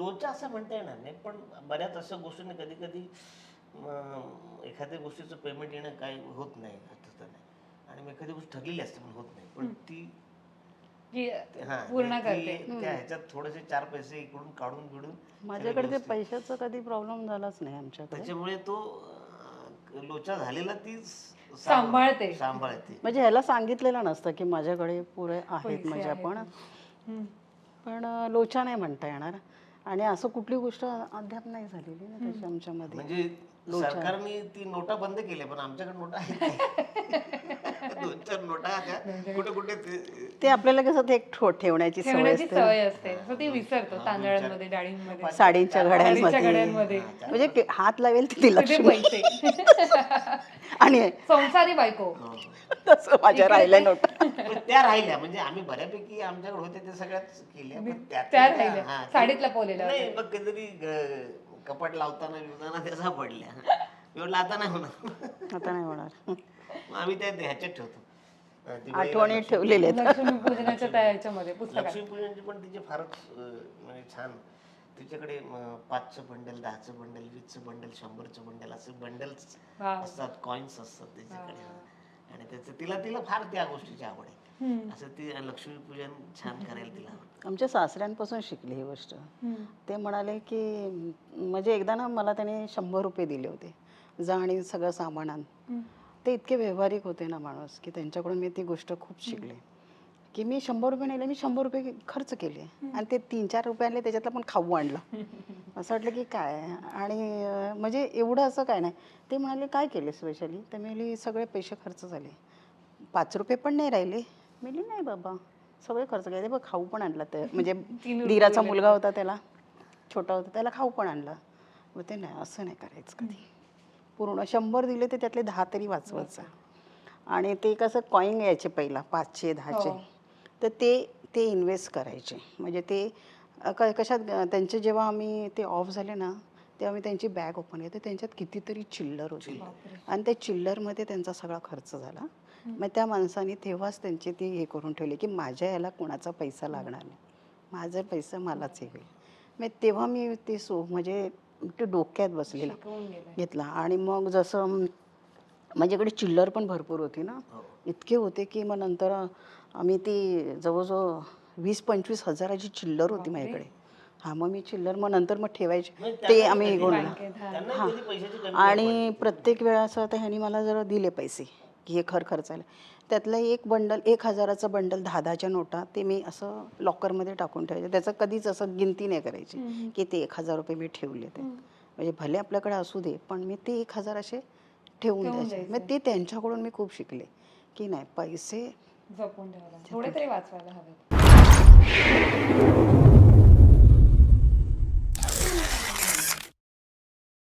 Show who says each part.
Speaker 1: लोचा असं म्हणता येणार नाही, पण बऱ्याच अशा गोष्टींनी कधी कधी एखाद्या गोष्टीचं पेमेंट येणं काय होत नाही असं नाही, आणि मी एखादी गोष्ट ठरलेली असते पण होत नाही, पण ती
Speaker 2: पूर्ण करते.
Speaker 1: त्या ह्याच्यात थोडेसे 4 पैसे इकडून काढून बिडून
Speaker 3: माझ्याकडे ते पैशाचा कधी प्रॉब्लेम झालाच नाही आमच्याकडे.
Speaker 1: त्याच्यामुळे तो लोचा झालेला ती
Speaker 2: सांभाळते.
Speaker 3: म्हणजे ह्याला सांगितलेलं नसतं की माझ्याकडे पुरे आहेत म्हणजे पण लोचा नाही म्हणता येणार. आणि असं कुठली गोष्ट अद्याप नाही झालेली ना तशी आमच्यामध्ये.
Speaker 1: म्हणजे सरकारने ती नोटा बंद केल्या, पण आमच्याकडे नोटा आहेत 2-4 नोटा कुठे कुठे
Speaker 3: ते आपल्याला कसं ते एक ठेवण्याची सवय
Speaker 2: असते, सो ती विसरतो. तांदळांमध्ये, डाळींमध्ये,
Speaker 3: साडींच्या घड्यांमध्ये, म्हणजे हात लावेल तिथे लक्ष्मी. आणि
Speaker 2: संसारी बायको
Speaker 3: तसं माझ्या राहिल्या नोटा
Speaker 1: त्या राहिल्या, म्हणजे आम्ही बऱ्यापैकी आमच्याकडे होते ते सगळ्याच केल्या, पण
Speaker 2: त्या राहिल्या साडीत लपवलेल्या.
Speaker 1: नाही, मग कधीतरी कपाट लावताना त्या सापडल्या. एवढं आता नाही होणार,
Speaker 3: आता नाही होणार.
Speaker 1: मग आम्ही त्या ह्याच्यात ठेवतो,
Speaker 3: आठवणी ठेवलेल्या आहेत.
Speaker 2: लक्ष्मीपूजनाच्या तयारीच्यामध्ये पुस्तकात.
Speaker 1: लक्ष्मीपूजनची पण तिचे फारच म्हणजे छान. तिच्याकडे 5चं बंडल, 10चं बंडल, 20चं बंडल, 100चं बंडल, असे बंडल्स असतात, कॉइन्स असतात त्याच्याकडे. आणि त्याचं तिला फार त्या गोष्टीची आवड आहे. असं ती लक्ष्मीपूजन छान करायला तिला आवडतं.
Speaker 3: आमच्या सासऱ्यांपासून शिकली ही गोष्ट. ते म्हणाले की म्हणजे एकदा ना मला त्याने 100 रुपये दिले होते, जा आणि सगळं सामान आण. ते इतके व्यावहारिक होते ना माणूस, की त्यांच्याकडून मी ती गोष्ट खूप शिकले की मी 100 रुपये नेले, मी 100 रुपये खर्च केले आणि ते 3-4 रुपये आणले, त्याच्यातला पण खाऊ आणला. असं वाटलं की काय. आणि म्हणजे एवढं असं काय नाही. ते म्हणाले काय केले स्पेशली, तर मी सगळे पैसे खर्च झाले, 5 रुपये पण नाही राहिले. मी नाही बाबा, सगळे खर्च केले. बघ खाऊ पण आणला, तर म्हणजे दीराचा मुलगा होता, त्याला छोटा होता, त्याला खाऊ पण आणला. मग ते नाही, असं नाही करायचं कधी. पूर्ण 100 दिले तर त्यातले 10 तरी वाचवायचं. आणि ते कसं कॉईन यायचे पहिला 5चे 10चे, तर ते इन्व्हेस्ट करायचे. म्हणजे ते कशात त्यांचे जेव्हा आम्ही ते ऑफ झाले ना, तेव्हा मी त्यांची बॅग ओपन केली, तर त्यांच्यात कितीतरी चिल्लर होती. आणि त्या चिल्लरमध्ये त्यांचा सगळा खर्च झाला. मग त्या माणसाने तेव्हाच त्यांचे ते हे करून ठेवले की माझ्या याला कोणाचा पैसा लागणार नाही, माझा पैसा मलाच हे होईल. मग तेव्हा मी ते म्हणजे ते डोक्यात बसलेला घेतला. आणि मग जसं माझ्याकडे चिल्लर पण भरपूर होती ना, इतके होते की मग नंतर आम्ही ती जवळजवळ 20-25 हजाराची चिल्लर होती माझ्याकडे. मग मी चिल्लर मग नंतर मग ठेवायचे ते आम्ही गोंधळा. आणि प्रत्येक वेळा असं आता ह्यानी मला जरा दिले पैसे की हे खर्चायला, त्यातलं एक बंडल 1000चं बंडल 10-10च्या नोटा ते मी असं लॉकरमध्ये टाकून ठेवायचे. त्याचं कधीच असं गिनती नाही करायची की ते 1000 रुपये मी ठेवले. ते म्हणजे भले आपल्याकडे असू दे, पण मी ते 1000 असे ठेवून द्यायचे. मग ते त्यांच्याकडून मी खूप शिकले की नाही, पैसे
Speaker 2: जपून ठेवायला, थोडे तरी वाचवायला हवे.